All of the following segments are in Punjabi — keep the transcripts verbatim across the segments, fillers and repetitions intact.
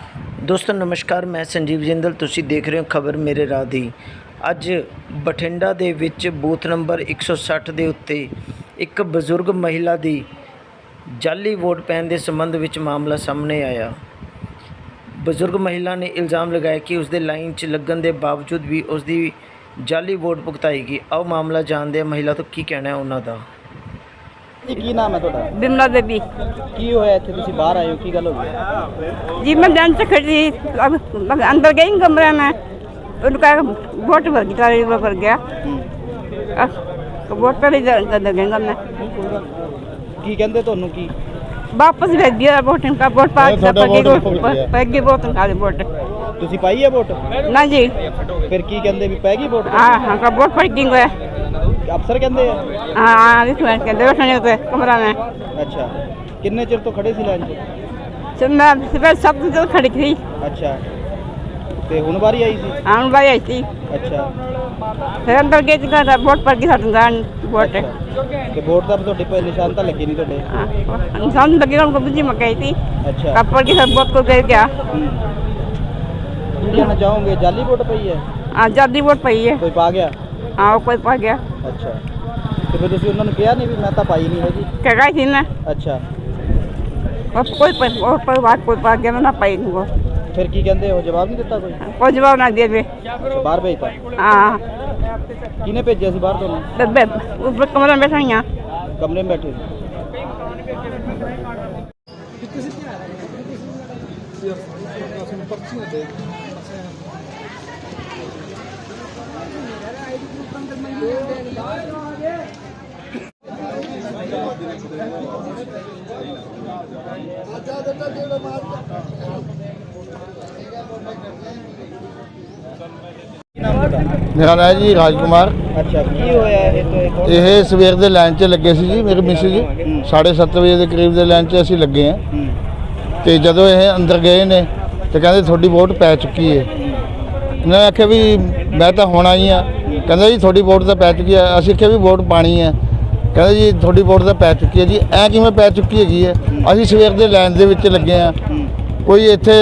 ਦੋਸਤੋ ਨਮਸਕਾਰ, ਮੈਂ ਸੰਜੀਵ ਜਿੰਦਲ। ਤੁਸੀਂ ਦੇਖ ਰਹੇ ਹੋ ਖਬਰ ਮੇਰੇ ਰਾਹ ਦੀ। ਅੱਜ ਬਠਿੰਡਾ ਦੇ ਵਿੱਚ ਬੂਥ ਨੰਬਰ ਇੱਕ ਸੌ ਸੱਠ ਦੇ ਉੱਤੇ ਇੱਕ ਬਜ਼ੁਰਗ ਮਹਿਲਾ ਦੀ ਜਾਲੀ ਵੋਟ ਪੈਣ ਦੇ ਸੰਬੰਧ ਵਿੱਚ ਮਾਮਲਾ ਸਾਹਮਣੇ ਆਇਆ। ਬਜ਼ੁਰਗ ਮਹਿਲਾ ਨੇ ਇਲਜ਼ਾਮ ਲਗਾਇਆ ਕਿ ਉਸਦੇ ਲਾਈਨ 'ਚ ਲੱਗਣ ਦੇ ਬਾਵਜੂਦ ਵੀ ਉਸਦੀ ਜਾਲੀ ਵੋਟ ਭੁਗਤਾਈ ਗਈ। ਆਓ ਮਾਮਲਾ ਜਾਣਦੇ ਹਾਂ ਮਹਿਲਾ ਤੋਂ ਕੀ ਕਹਿਣਾ ਹੈ ਉਹਨਾਂ ਦਾ। जी की नाम है थोड़ा? बिमला देवी। की होया इत्थे तुसी बाहर आए हो, की गल हो गई? जी मैं जान से खड़ी अब अब अंदर गई कमरे में, उनका वोट भर गया, तारी भर गया वोट पर ही अंदर गई मैं। की कहंदे तोनू की वापस भेज दिया वोट, इनका वोट पा पैगी वोट निकाले वोट। तुसी पाई है वोट? ना जी। फिर की कहंदे भी पैगी वोट? हाँ हाँ का वोट पैगी है। अफसर कहंदे है? हाँ हाँ इस बार कहंदे बैठने होते कमरा में। अच्छा, कितने चिर तो खड़े सी लाइन च? सब मैं सुबह सब तो खड़ी थी। अच्छा, ते हुन बारी आई सी? हाँ भाई आई थी। अच्छा, फिर अंदर गई थी का वोट पड़ गई साडू गान वोट। ते वोट दा ਤੁਹਾਡੇ पे निशान ਤਾਂ ਲੱਗੇ ਨਹੀਂ ਤੁਹਾਡੇ? निशान लगे उनको बुझी मकाई थी। अच्छा, कब पड़ गई सब वोट को गए क्या? ਕੀ ਕਹਿਣਾ ਚਾਹੋਗੇ? ਜਾਲੀ ਵੋਟ ਪਈ ਹੈ? हाँ जादी वोट पाई है। ਕੋਈ ਪਾ ਗਿਆ? हाँ वो कोई पा गया। ਅੱਛਾ, ਤੇ ਫਿਰ ਤੁਸੀਂ ਉਹਨਾਂ ਨੂੰ ਕਿਹਾ ਨਹੀਂ ਵੀ ਮੈਂ ਤਾਂ ਪਾਈ ਨਹੀਂ ਹੈਗੀ? क्या गई थी ना ਅੱਛਾ, और कोई पर और पर बात कोई पा गया ना पाई उनको। ਫਿਰ ਕੀ ਕਹਿੰਦੇ ਹੋ? ਜਵਾਬ ਨਹੀਂ ਦਿੱਤਾ ਕੋਈ? कोई जवाब ना दिए वे। ਅੱਛਾ, ਬਾਹਰ ਭੇਜਤਾ? हाँ ਕਿਹਨੇ ਭੇਜਿਆ ਸੀ ਬਾਹਰ ਤੁਹਾਨੂੰ? बे ऊपर कमरे में बैठा यहाँ। ਕਮਰੇ में बैठे ਸੀ? मेरा नाम है जी राज कुमार। अच्छा, की होया ਇਹ ਤੋਂ ਇੱਕ ਹੋਰ? ਇਹ ਸਵੇਰ ਦੇ ਲਾਈਨ 'ਚ ਲੱਗੇ ਸੀ ਜੀ, ਮੇਰੇ ਮਿਸਿਸ ਜੀ ਸਾਢੇ ਸੱਤ ਵਜੇ ਦੇ ਕਰੀਬ ਦੇ ਲਾਈਨ 'ਚ ਅਸੀਂ ਲੱਗੇ ਹਾਂ। ਹੂੰ, ਤੇ ਜਦੋਂ ਇਹ ਅੰਦਰ ਗਏ ਨੇ ਤੇ ਕਹਿੰਦੇ ਤੁਹਾਡੀ ਵੋਟ ਪੈ ਚੁੱਕੀ ਹੈ। ਇਹਨਾਂ ਨੇ ਆਖਿਆ ਵੀ ਮੈਂ ਤਾਂ ਹੁਣ ਆਈ ਹਾਂ। ਕਹਿੰਦਾ ਜੀ ਤੁਹਾਡੀ ਵੋਟ ਤਾਂ ਪੈ ਚੁੱਕੀ ਹੈ। ਅਸੀਂ ਆਖਿਆ ਵੀ ਵੋਟ ਪਾਣੀ ਹੈ। ਕਹਿੰਦਾ ਜੀ ਤੁਹਾਡੀ ਵੋਟ ਤਾਂ ਪੈ ਚੁੱਕੀ ਹੈ ਜੀ। ਐਂ ਕਿਵੇਂ ਪੈ ਚੁੱਕੀ ਹੈਗੀ ਹੈ? ਅਸੀਂ ਸਵੇਰ ਦੇ ਲਾਈਨ ਦੇ ਵਿੱਚ ਲੱਗੇ ਹਾਂ। ਕੋਈ ਇੱਥੇ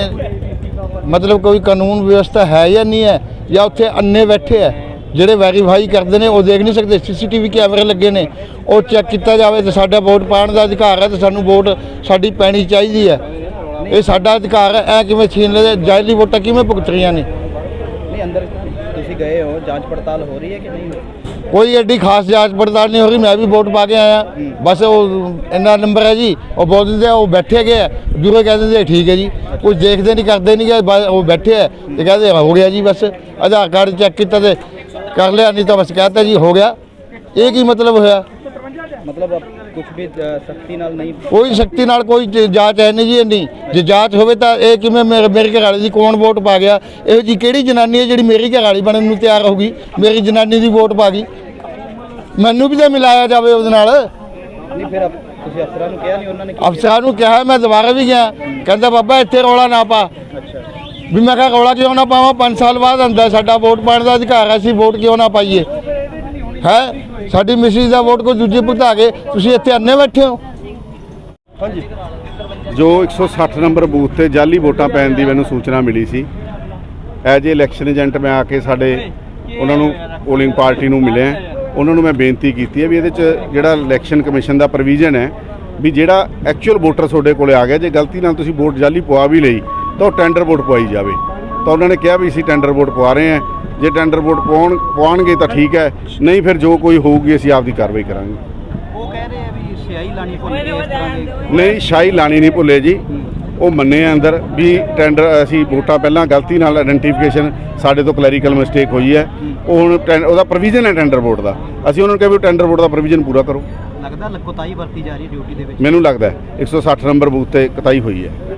ਮਤਲਬ ਕੋਈ ਕਾਨੂੰਨ ਵਿਵਸਥਾ ਹੈ ਜਾਂ ਨਹੀਂ ਹੈ, ਜਾਂ ਉੱਥੇ ਅੰਨੇ ਬੈਠੇ ਹੈ ਜਿਹੜੇ ਵੈਰੀਫਾਈ ਕਰਦੇ ਨੇ, ਉਹ ਦੇਖ ਨਹੀਂ ਸਕਦੇ? ਸੀਸੀਟੀਵੀ ਕੈਮਰੇ ਲੱਗੇ ਨੇ, ਉਹ ਚੈੱਕ ਕੀਤਾ ਜਾਵੇ ਤੇ ਸਾਡਾ ਵੋਟ ਪਾਉਣ ਦਾ ਅਧਿਕਾਰ ਹੈ ਤੇ ਸਾਨੂੰ ਵੋਟ ਸਾਡੀ ਪੈਣੀ ਚਾਹੀਦੀ ਹੈ। ਇਹ ਸਾਡਾ ਅਧਿਕਾਰ ਹੈ। ਐ ਕਿਵੇਂ ਛੀਨ ਲੈ? ਜਾਇਲੀ ਵੋਟਾਂ ਕਿਵੇਂ ਭੁਗਤ ਰਹੀਆਂ ਨੇ? ਨਹੀਂ ਅੰਦਰ ਤੁਸੀਂ ਗਏ ਹੋ, ਜਾਂਚ ਪੜਤਾਲ ਹੋ ਰਹੀ ਹੈ ਕਿ ਨਹੀਂ? ਕੋਈ ਐਡੀ ਖਾਸ ਜਾਂਚ ਪੜਤਾਲ ਨਹੀਂ ਹੋ ਰਹੀ। ਮੈਂ ਵੀ ਵੋਟ ਪਾ ਕੇ ਆਇਆ, ਬਸ ਉਹ ਇੰਨਾ ਨੰਬਰ ਹੈ ਜੀ, ਉਹ ਬੋਲ ਦਿੰਦੇ ਉਹ ਬੈਠੇ ਗਏ ਆ, ਦੂਰੇ ਕਹਿ ਦਿੰਦੇ ਠੀਕ ਹੈ ਜੀ। ਕੁਝ ਦੇਖਦੇ ਨਹੀਂ ਕਰਦੇ ਨਹੀਂ ਗੇ, ਬਸ ਉਹ ਬੈਠੇ ਹੈ ਤੇ ਕਹਿੰਦੇ ਹੋ ਗਿਆ ਜੀ। ਬਸ ਆਧਾਰ ਕਾਰਡ ਚੈੱਕ ਕੀਤਾ ਤੇ ਕਰ ਲਿਆ, ਨਹੀਂ ਤਾਂ ਬਸ ਕਹਤਾ ਜੀ ਹੋ ਗਿਆ। ਇਹ ਕੀ ਮਤਲਬ ਹੋਇਆ? ਮਤਲਬ ਕੁਝ ਵੀ ਸਖਤੀ ਨਾਲ ਨਹੀਂ? ਕੋਈ ਸ਼ਕਤੀ ਨਾਲ ਕੋਈ ਜ- ਜਾਂਚ ਹੈ ਨਹੀਂ ਜੀ ਇੰਨੀ। ਜੇ ਜਾਂਚ ਹੋਵੇ ਤਾਂ ਇਹ ਕਿਵੇਂ ਮੇਰੇ ਮੇਰੇ ਘਰ ਵਾਲੀ ਦੀ ਕੌਣ ਵੋਟ ਪਾ ਗਿਆ? ਇਹੋ ਜੀ ਕਿਹੜੀ ਜਨਾਨੀ ਹੈ ਜਿਹੜੀ ਮੇਰੀ ਘਰ ਵਾਲੀ ਬਣਨ ਨੂੰ ਤਿਆਰ ਹੋਊਗੀ? ਮੇਰੀ ਜਨਾਨੀ ਦੀ ਵੋਟ ਪਾ ਗਈ, ਮੈਨੂੰ ਵੀ ਤਾਂ ਮਿਲਾਇਆ ਜਾਵੇ ਉਹਦੇ ਨਾਲ। ਨਹੀਂ ਫਿਰ ਅਫ- ਤੁਸੀਂ ਅਫਸਰਾਂ ਨੂੰ ਕਿਹਾ ਨਹੀਂ? ਉਹਨਾਂ ਨੇ ਕੀ ਅਫਸਰਾਂ ਨੂੰ ਕਿਹਾ, ਮੈਂ ਦੁਬਾਰਾ ਵੀ ਗਿਆ, ਕਹਿੰਦਾ ਬਾਬਾ ਇੱਥੇ ਰੌਲਾ ਨਾ ਪਾ। ਕਿਹਾ? ਅੱਛਾ, ਵੀ ਮੈਂ ਕਿਹਾ ਰੌਲਾ ਕਿਉਂ ਨਾ ਪਾਵਾਂ? ਪੰਜ ਸਾਲ ਬਾਅਦ ਆਉਂਦਾ, ਸਾਡਾ ਵੋਟ ਪਾਉਣ ਦਾ ਅਧਿਕਾਰ ਹੈ, ਅਸੀਂ ਵੋਟ ਕਿਉਂ ਨਾ ਪਾਈਏ? ਹੈ ਸਾਡੀ ਮਿਸਿਸ ਦਾ ਵੋਟ ਕੋਈ ਦੂਜੇ ਭੁਗਤਾ ਕੇ ਤੁਸੀਂ ਇੱਥੇ ਅੰਨੇ ਬੈਠੇ ਹੋ? ਹਾਂਜੀ, ਜੋ ਇੱਕ ਸੌ ਸੱਠ ਨੰਬਰ ਬੂਥ ਤੇ ਜਾਲੀ ਵੋਟਾਂ ਪੈਣ ਦੀ ਮੈਨੂੰ ਸੂਚਨਾ ਮਿਲੀ ਸੀ। ਐਜ ਏ ਇਲੈਕਸ਼ਨ ਏਜੰਟ ਮੈਂ ਆ ਕੇ ਸਾਡੇ ਉਹਨਾਂ ਨੂੰ ਪੋਲਿੰਗ ਪਾਰਟੀ ਨੂੰ ਮਿਲਿਆ। ਉਹਨਾਂ ਨੂੰ ਮੈਂ ਬੇਨਤੀ ਕੀਤੀ ਹੈ ਵੀ ਇਹਦੇ 'ਚ ਜਿਹੜਾ ਇਲੈਕਸ਼ਨ ਕਮਿਸ਼ਨ ਦਾ ਪ੍ਰੋਵੀਜ਼ਨ ਹੈ ਵੀ ਜਿਹੜਾ ਐਕਚੁਅਲ ਵੋਟਰ ਤੁਹਾਡੇ ਕੋਲੇ ਆ ਗਿਆ, ਜੇ ਗਲਤੀ ਨਾਲ ਤੁਸੀਂ ਵੋਟ ਜਾਲੀ ਪਵਾ ਵੀ ਲਈ ਤਾਂ ਉਹ ਟੈਂਡਰ ਵੋਟ ਪਵਾਈ ਜਾਵੇ। ਤਾਂ ਉਹਨਾਂ ਨੇ ਕਿਹਾ ਵੀ ਅਸੀਂ ਟੈਂਡਰ ਵੋਟ ਪਵਾ ਰਹੇ ਹਾਂ, ਜੇ ਟੈਂਡਰ ਵੋਟ ਪਵਾਉਣ ਪਵਾਉਣਗੇ ਤਾਂ ਠੀਕ ਹੈ, ਨਹੀਂ ਫਿਰ ਜੋ ਕੋਈ ਹੋਊਗੀ ਅਸੀਂ ਆਪਦੀ ਕਾਰਵਾਈ ਕਰਾਂਗੇ। ਉਹ ਕਹਿ ਰਹੇ ਆ ਵੀ ਸਿਆਹੀ ਲਾਣੀ ਭੁੱਲ ਗਏ ਇਸ ਤਰ੍ਹਾਂ ਦੀ। ਨਹੀਂ, ਸ਼ਾਹੀ ਲਾਣੀ ਨਹੀਂ ਭੁੱਲੇ ਜੀ। ਉਹ ਮੰਨੇ ਆ ਅੰਦਰ ਵੀ ਟੈਂਡਰ ਅਸੀਂ ਵੋਟਾਂ ਪਹਿਲਾਂ ਗਲਤੀ ਨਾਲ ਆਇਡੈਂਟੀਫਿਕੇਸ਼ਨ ਸਾਡੇ ਤੋਂ ਕਲੈਰੀਕਲ ਮਿਸਟੇਕ ਹੋਈ ਹੈ। ਉਹ ਹੁਣ ਟੈਂ- ਉਹਦਾ ਪ੍ਰੋਵੀਜ਼ਨ ਹੈ ਟੈਂਡਰ ਵੋਟ ਦਾ। ਅਸੀਂ ਉਹਨਾਂ ਨੂੰ ਕਿਹਾ ਵੀ ਟੈਂਡਰ ਵੋਟ ਦਾ ਪ੍ਰੋਵੀਜ਼ਨ ਪੂਰਾ ਕਰੋ। ਲੱਗਦਾ ਲੱਕੋਤਾਈ ਵਰਤੀ ਜਾ ਰਹੀ ਡਿਊਟੀ ਦੇ ਵਿੱਚ? ਮੈਨੂੰ ਲੱਗਦਾ ਇੱਕ ਸੌ ਸੱਠ ਨੰਬਰ ਬੂਥ ਤੇ ਕੁਤਾਹੀ ਹੋਈ ਹੈ।